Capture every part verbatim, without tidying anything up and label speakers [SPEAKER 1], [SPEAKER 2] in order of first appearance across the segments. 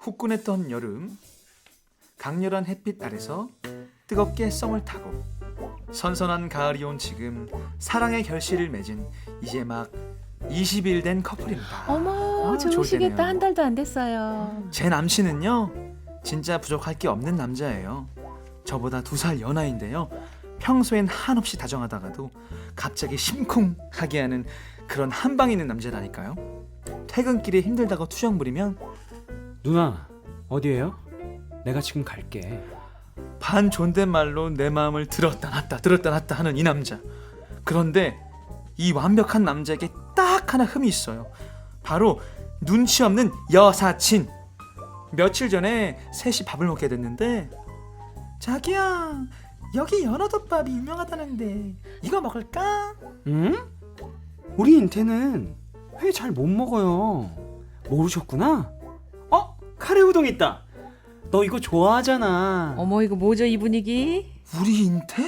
[SPEAKER 1] 후끈했던 여름, 강렬한 햇빛 아래서 뜨겁게 썸을 타고 선선한 가을이 온 지금 사랑의 결실을 맺은 이제 막 이십 일 된 커플입니다.
[SPEAKER 2] 어머,
[SPEAKER 1] 아, 좋을
[SPEAKER 2] 좋으시겠다.
[SPEAKER 1] 때네요.
[SPEAKER 2] 한 달도 안 됐어요.
[SPEAKER 1] 제 남친은요, 진짜 부족할 게 없는 남자예요. 저보다 두 살 연하인데요. 평소엔 한없이 다정하다가도 갑자기 심쿵하게 하는 그런 한방 있는 남자라니까요. 퇴근길에 힘들다고 투정 부리면
[SPEAKER 3] 누나 어디에요? 내가 지금 갈게.
[SPEAKER 1] 반 존댓말로 내 마음을 들었다 놨다 들었다 놨다 하는 이 남자. 그런데 이 완벽한 남자에게 딱 하나 흠이 있어요. 바로 눈치 없는 여사친. 며칠 전에 셋이 밥을 먹게 됐는데, 자기야, 여기 연어덮밥이 유명하다는데 이거 먹을까?
[SPEAKER 3] 응? 우리 인태는 회 잘 못 먹어요. 모르셨구나? 어? 카레우동 있다. 너 이거 좋아하잖아.
[SPEAKER 2] 어머, 이거 뭐죠, 이 분위기?
[SPEAKER 1] 우리 인태?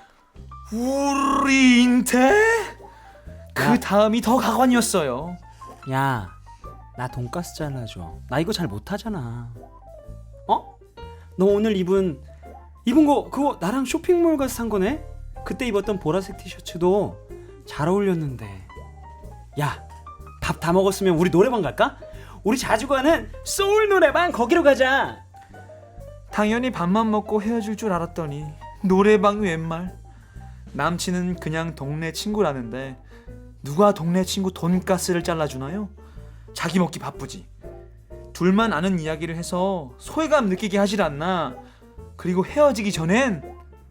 [SPEAKER 1] 우리 인태? 그
[SPEAKER 3] 야.
[SPEAKER 1] 다음이 더 가관이었어요.
[SPEAKER 3] 야, 나 돈가스 잘라줘. 나 이거 잘 못하잖아. 어? 너 오늘 입은 입은 거 그거 나랑 쇼핑몰 가서 산 거네? 그때 입었던 보라색 티셔츠도 잘 어울렸는데. 야, 밥 다 먹었으면 우리 노래방 갈까? 우리 자주 가는 소울 노래방 거기로 가자.
[SPEAKER 1] 당연히 밥만 먹고 헤어질 줄 알았더니 노래방이 웬말. 남친은 그냥 동네 친구라는데 누가 동네 친구 돈가스를 잘라주나요? 자기 먹기 바쁘지. 둘만 아는 이야기를 해서 소외감 느끼게 하질 않나. 그리고 헤어지기 전엔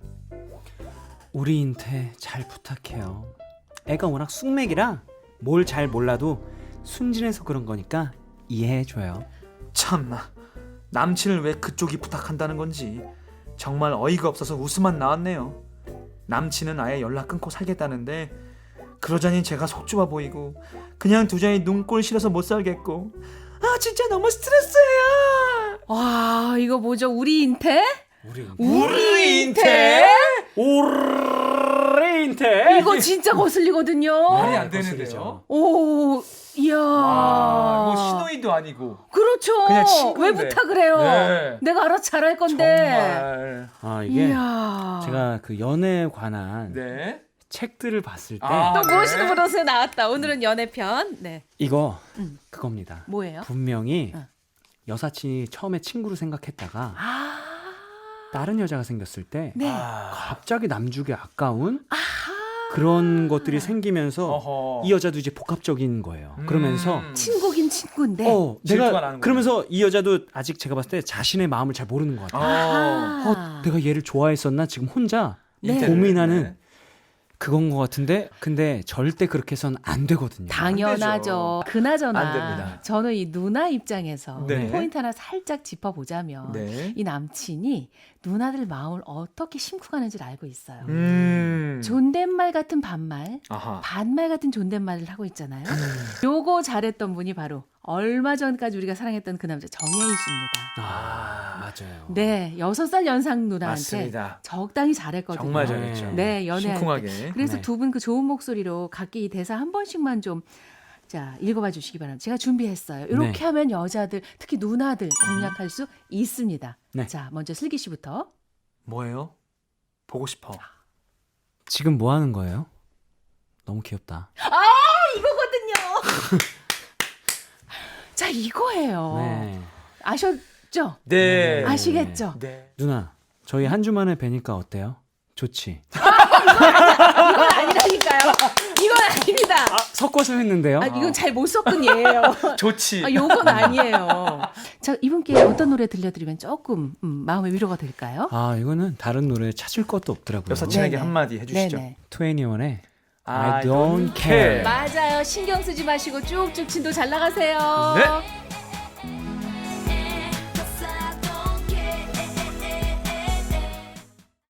[SPEAKER 3] 우리 인태 잘 부탁해요. 애가 워낙 쑥맥이라 뭘 잘 몰라도 순진해서 그런 거니까 이해해줘요.
[SPEAKER 1] 참나, 남친을 왜 그쪽이 부탁한다는 건지 정말 어이가 없어서 웃음만 나왔네요. 남친은 아예 연락 끊고 살겠다는데 그러자니 제가 속 좁아 보이고 그냥 두자니 눈꼴 싫어서 못 살겠고, 아 진짜 너무 스트레스예요.
[SPEAKER 2] 와, 이거 뭐죠? 우리 인태?
[SPEAKER 3] 우리 인태?
[SPEAKER 1] 우리 인태?
[SPEAKER 3] 우리 인태?
[SPEAKER 2] 이거 진짜 거슬리거든요.
[SPEAKER 1] 말이 안
[SPEAKER 3] 네,
[SPEAKER 1] 되는데요.
[SPEAKER 2] 오, 이야.
[SPEAKER 1] 아, 뭐 신호이도 아니고
[SPEAKER 2] 그렇죠.
[SPEAKER 1] 그냥 친구인데.
[SPEAKER 2] 왜 부탁을 해요?
[SPEAKER 1] 네.
[SPEAKER 2] 내가 알아서 잘할 건데.
[SPEAKER 1] 정말.
[SPEAKER 3] 아 이게
[SPEAKER 2] 이야.
[SPEAKER 3] 제가 그 연애에 관한
[SPEAKER 1] 네.
[SPEAKER 3] 책들을 봤을 때
[SPEAKER 1] 아.
[SPEAKER 2] 또
[SPEAKER 1] 네.
[SPEAKER 2] 무엇이든 물어서 나왔다. 오늘은 연애편. 네.
[SPEAKER 3] 이거
[SPEAKER 2] 음.
[SPEAKER 3] 그겁니다.
[SPEAKER 2] 뭐예요?
[SPEAKER 3] 분명히
[SPEAKER 2] 어.
[SPEAKER 3] 여사친이 처음에 친구로 생각했다가
[SPEAKER 2] 아.
[SPEAKER 3] 다른 여자가 생겼을 때
[SPEAKER 2] 네.
[SPEAKER 1] 아.
[SPEAKER 3] 갑자기 남주기 아까운
[SPEAKER 2] 아하.
[SPEAKER 3] 그런 것들이 생기면서
[SPEAKER 1] 어허.
[SPEAKER 3] 이 여자도 이제 복합적인 거예요. 그러면서
[SPEAKER 1] 음.
[SPEAKER 2] 친구긴 친구인데.
[SPEAKER 3] 어
[SPEAKER 1] 질투가
[SPEAKER 3] 내가
[SPEAKER 1] 나는
[SPEAKER 3] 그러면서 이 여자도 아직 제가 봤을 때 자신의 마음을 잘 모르는 것 같아요.
[SPEAKER 1] 어.
[SPEAKER 3] 어, 내가 얘를 좋아했었나 지금 혼자
[SPEAKER 2] 네.
[SPEAKER 3] 고민하는 그건 것 같은데 근데 절대 그렇게 해서는 안 되거든요.
[SPEAKER 2] 당연하죠. 그나저나
[SPEAKER 1] 안 됩니다.
[SPEAKER 2] 저는 이 누나 입장에서
[SPEAKER 1] 네.
[SPEAKER 2] 포인트 하나 살짝 짚어보자면
[SPEAKER 1] 네.
[SPEAKER 2] 이 남친이 누나들 마음을 어떻게 심쿵하는지를 알고 있어요.
[SPEAKER 1] 음.
[SPEAKER 2] 존댓말 같은 반말,
[SPEAKER 1] 아하.
[SPEAKER 2] 반말 같은 존댓말을 하고 있잖아요. 요거 잘했던 분이 바로 얼마 전까지 우리가 사랑했던 그 남자 정혜희 씨입니다.
[SPEAKER 3] 아 맞아요.
[SPEAKER 2] 네, 여섯 살 연상 누나한테
[SPEAKER 1] 맞습니다.
[SPEAKER 2] 적당히 잘했거든요.
[SPEAKER 1] 정말 잘했죠.
[SPEAKER 2] 네, 연애할 때.
[SPEAKER 1] 심쿵하게.
[SPEAKER 2] 그래서
[SPEAKER 3] 네.
[SPEAKER 2] 두 분 그 좋은 목소리로 각기 이 대사 한 번씩만 좀 자, 읽어봐 주시기 바랍니다. 제가 준비했어요. 이렇게
[SPEAKER 3] 네.
[SPEAKER 2] 하면 여자들, 특히 누나들 공략할 수 있습니다.
[SPEAKER 3] 네.
[SPEAKER 2] 자, 먼저 슬기 씨부터.
[SPEAKER 1] 뭐예요? 보고 싶어.
[SPEAKER 3] 지금 뭐 하는 거예요? 너무 귀엽다.
[SPEAKER 2] 이거거든요. 자, 이거예요.
[SPEAKER 3] 네.
[SPEAKER 2] 아셨죠?
[SPEAKER 1] 네.
[SPEAKER 2] 아시겠죠?
[SPEAKER 1] 네.
[SPEAKER 3] 누나 저희 한 주 만에 뵈니까 어때요? 좋지.
[SPEAKER 2] 이건 아니라니까요. 이건 아닙니다.
[SPEAKER 3] 아 섞어서 했는데요.
[SPEAKER 2] 아, 이건 잘 못 섞은 예예요.
[SPEAKER 1] 좋지.
[SPEAKER 2] 아, 요건 아니에요. 자, 이분께 어떤 노래 들려드리면 조금 음, 마음의 위로가 될까요?
[SPEAKER 3] 아 이거는 다른 노래 찾을 것도 없더라고요.
[SPEAKER 1] 여사친에게
[SPEAKER 2] 네네.
[SPEAKER 1] 한마디 해주시죠.
[SPEAKER 2] 네네.
[SPEAKER 3] 트웬티원의
[SPEAKER 1] I
[SPEAKER 3] I don't
[SPEAKER 1] don't
[SPEAKER 3] care.
[SPEAKER 1] care.
[SPEAKER 2] 맞아요. 신경 쓰지 마시고 쭉쭉 진도 잘 나가세요.
[SPEAKER 1] 네.